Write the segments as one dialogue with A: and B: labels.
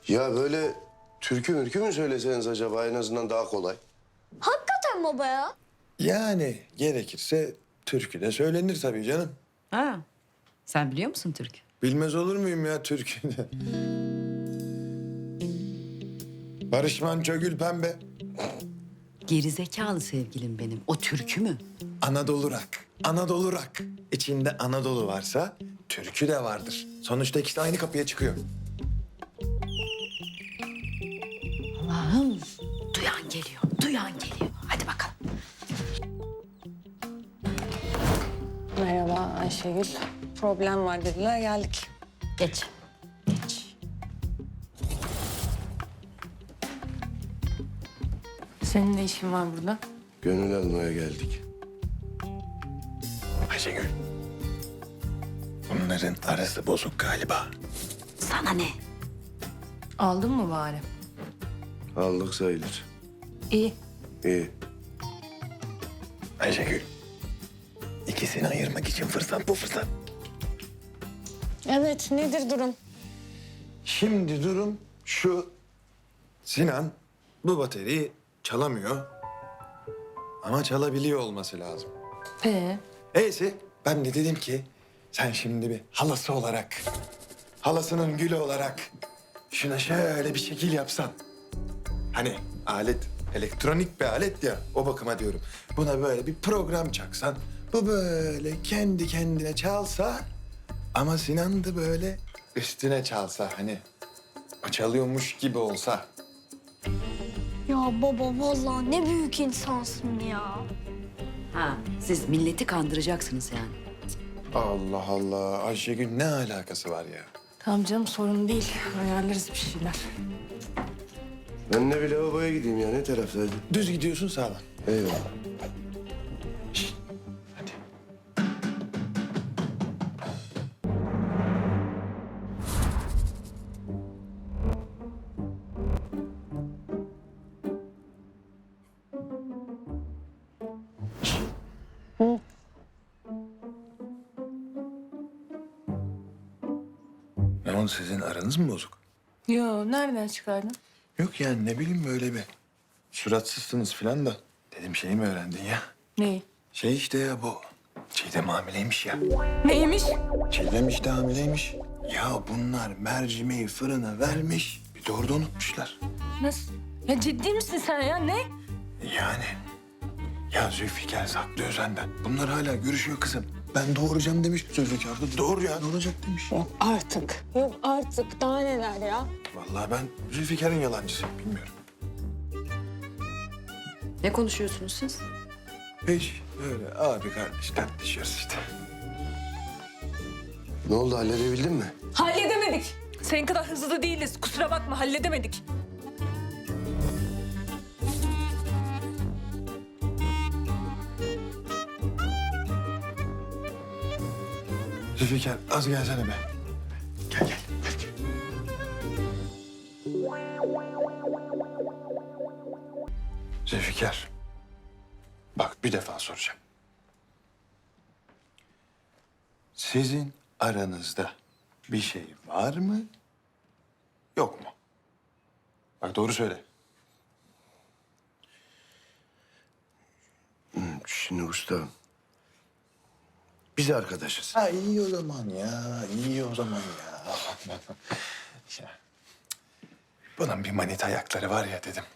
A: Ya böyle türkü mürkü mü söyleseniz acaba en azından daha kolay?
B: Hakikaten baba ya.
C: Yani gerekirse türkü de söylenir tabii canım.
D: Ha, sen biliyor musun Türk?
C: Bilmez olur muyum ya türküyü de? Barış Manço Gül Pembe.
D: Gerizekalı sevgilim benim. O türkü mü?
C: Anadolu rock. Anadolu rock. İçinde Anadolu varsa türkü de vardır. Sonuçta ikisi de aynı kapıya çıkıyor.
D: Allah'ım. Duyan geliyor, duyan geliyor. Hadi bakalım.
E: Merhaba Ayşegül. Problem var dediler, geldik.
D: Geç, geç.
E: Senin ne işin var burada?
A: Gönül almaya geldik.
C: Ayşegül. Bunların arası bozuk galiba.
D: Sana ne?
E: Aldın mı bari?
A: Aldık sayılır.
E: İyi.
A: İyi.
C: Ayşegül. İkisini ayırmak için fırsat bu fırsat.
E: Evet, nedir durum?
C: Şimdi durum şu. Sinan bu bateriyi çalamıyor. Ama çalabiliyor olması lazım. Neyse ben de dedim ki sen şimdi bir halası olarak, halasının gülü olarak şuna şöyle bir şekil yapsan. Hani alet elektronik bir alet ya, o bakıma diyorum. Buna böyle bir program çaksan, bu böyle kendi kendine çalsa ama Sinan da böyle üstüne çalsa, hani o çalıyormuş gibi olsa.
B: Ya baba vallahi ne büyük insansın ya.
D: Ha, siz milleti kandıracaksınız yani.
C: Allah Allah, Ayşegül ne alakası var ya?
E: Tamam canım, sorun değil. Ayarlarız bir şeyler.
A: Ben de bir lavaboya gideyim ya. Ne taraftaydı?
C: Düz gidiyorsun sağdan.
A: Eyvallah.
C: Şişt, hadi. Ne oldu, sizin aranız mı bozuk?
E: Yo, nereden çıkardın?
C: Yok yani ne bileyim böyle bir suratsızsınız falan da. Dedim şey mi öğrendin ya?
E: Neyi?
C: Şey işte ya bu. Çiğdem hamileymiş ya.
E: Neymiş?
C: Çiğdem işte hamileymiş. Ya bunlar mercimeği fırına vermiş. Bir de orada unutmuşlar.
E: Nasıl? Ya ciddi misin sen ya? Ne?
C: Yani. Ya Zülfikar saklıyor senden. Bunlar hala görüşüyor kızım. Ben doğuracağım demiş. Zülfikar da doğru ya ne olacak demiş.
E: Yok artık. Yok artık. Daha neler ya?
C: Vallahi ben Zülfikar'ın yalancısıyım bilmiyorum.
D: Ne konuşuyorsunuz siz?
C: Hiç öyle abi kardeş tartışıyoruz işte.
A: Ne oldu halledebildin mi?
E: Halledemedik. Senin kadar hızlı da değiliz. Kusura bakma, halledemedik.
C: Zülfikar az gelsene be. Gel gel. Gel. Zülfikar. Bak bir defa soracağım. Sizin aranızda bir şey var mı? Yok mu? Bak doğru söyle.
A: Şimdi usta. Biz arkadaşız.
C: Ha iyi o zaman ya. İyi o zaman ya. Ya, bunun bir manita ayakları var ya dedim.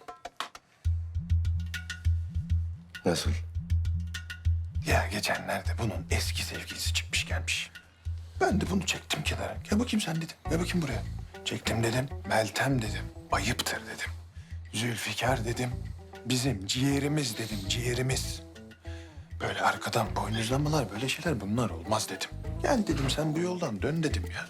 A: Nasıl?
C: Ya geçenlerde bunun eski sevgilisi çıkmış gelmiş. Ben de bunu çektim kenara. Gel bakayım sen dedim. Gel bakayım buraya. Çektim dedim. Meltem dedim. Ayıptır dedim. Zülfikar dedim. Bizim ciğerimiz dedim. Ciğerimiz. Böyle arkadan boynuzlamalar böyle şeyler bunlar olmaz dedim. Gel dedim sen bu yoldan dön dedim ya.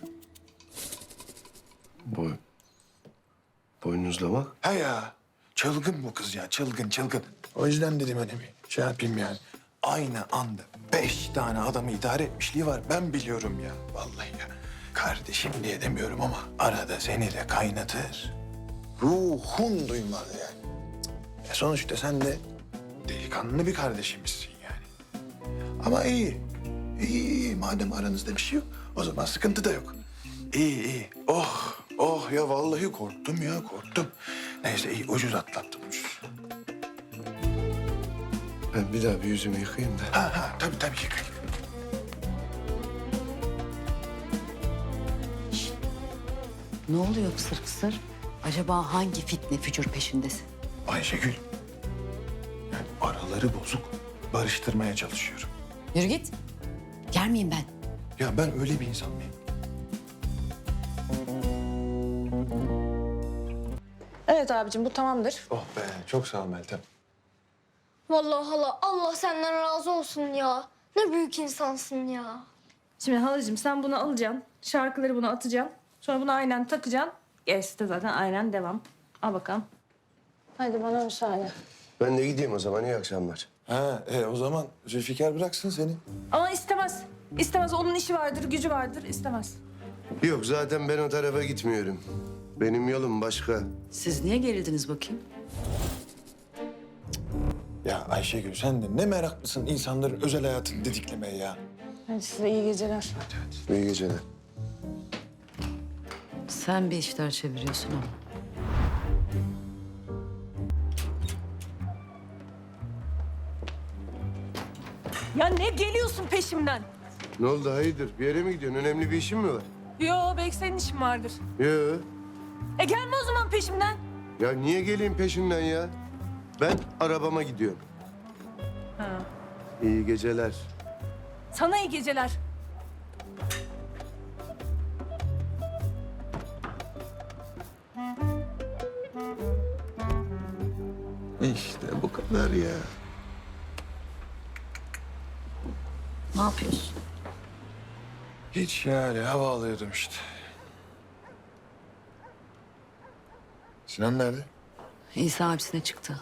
A: Boynuzlamak?
C: Ha ya. Çılgın bu kız ya. Çılgın çılgın. O yüzden dedim hani bir şey yapayım yani. Aynı anda 5 tane adamı idare etmişliği var. Ben biliyorum ya. Vallahi ya. Kardeşim diye demiyorum ama arada seni de kaynatır. Ruhun duymaz yani. Sonuçta sen de delikanlı bir kardeşimizsin yani. Ama iyi. İyi, iyi. Madem aranızda bir şey yok, o zaman sıkıntı da yok. İyi, iyi. Oh, Oh ya vallahi korktum ya korktum. Neyse iyi ucuz atlattım ucuz.
A: Ben bir daha bir yüzümü yıkayayım da.
C: Ha tabii yıka.
D: Ne oluyor pısır pısır? Acaba hangi fitne fücur peşindesin?
C: Ayşegül. Yani araları bozuk. Barıştırmaya çalışıyorum.
D: Yürü git. Yer miyim ben?
C: Ya ben öyle bir insan mıyım?
E: Evet abicim bu tamamdır.
C: Oh be çok sağ ol Meltem.
B: Vallahi hala Allah senden razı olsun ya. Ne büyük insansın ya.
E: Şimdi halacığım sen bunu alacaksın. Şarkıları buna atacaksın. Sonra bunu aynen takacaksın. Gerisi de zaten aynen devam. Al bakalım. Hadi bana müsaade.
A: Ben de gideyim o zaman. İyi akşamlar.
C: Ha o zaman Zülfikar bıraksın seni.
E: Ama istemez. İstemez. Onun işi vardır, gücü vardır. İstemez.
A: Yok zaten ben o tarafa gitmiyorum. Benim yolum başka.
D: Siz niye gerildiniz bakayım?
C: Ya Ayşegül sen de ne meraklısın insanların özel hayatını didiklemeye ya.
E: Hadi size iyi geceler.
A: İyi geceler.
D: Sen bir işler çeviriyorsun ama.
E: Ya ne geliyorsun peşimden?
A: Ne oldu hayırdır? Bir yere mi gidiyorsun? Önemli bir işin mi var?
E: Yo belki senin işin vardır.
A: Yok.
E: Gelme o zaman peşimden.
A: Ya niye geleyim peşinden ya? Ben arabama gidiyorum.
E: Ha.
A: İyi geceler.
E: Sana iyi geceler.
C: İşte bu kadar ya.
D: Ne yapıyorsun?
C: Hiç yani hava alıyordum işte. Sinan nerede?
D: İsa abisine çıktı.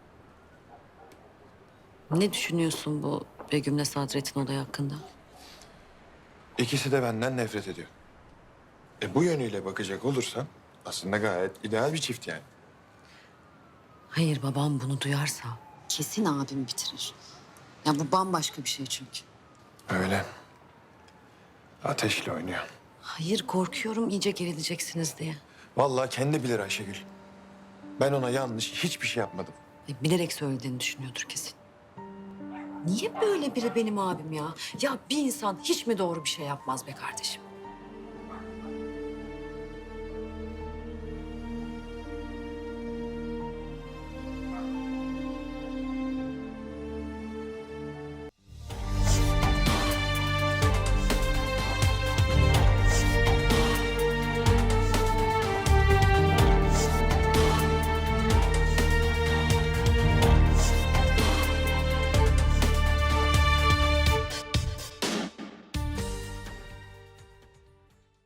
D: Ne düşünüyorsun bu Begüm'le Sadret'in olayı hakkında?
C: İkisi de benden nefret ediyor. Bu yönüyle bakacak olursan aslında gayet ideal bir çift yani.
D: Hayır, babam bunu duyarsa kesin abim bitirir. Ya bu bambaşka bir şey çünkü.
C: Öyle. Ateşle oynuyor.
D: Hayır, korkuyorum iyice gerileceksiniz diye.
C: Vallahi kendi bilir Ayşegül. Ben ona yanlış hiçbir şey yapmadım.
D: Bilerek söylediğini düşünüyordur kesin. Niye böyle biri benim abim ya? Ya bir insan hiç mi doğru bir şey yapmaz be kardeşim?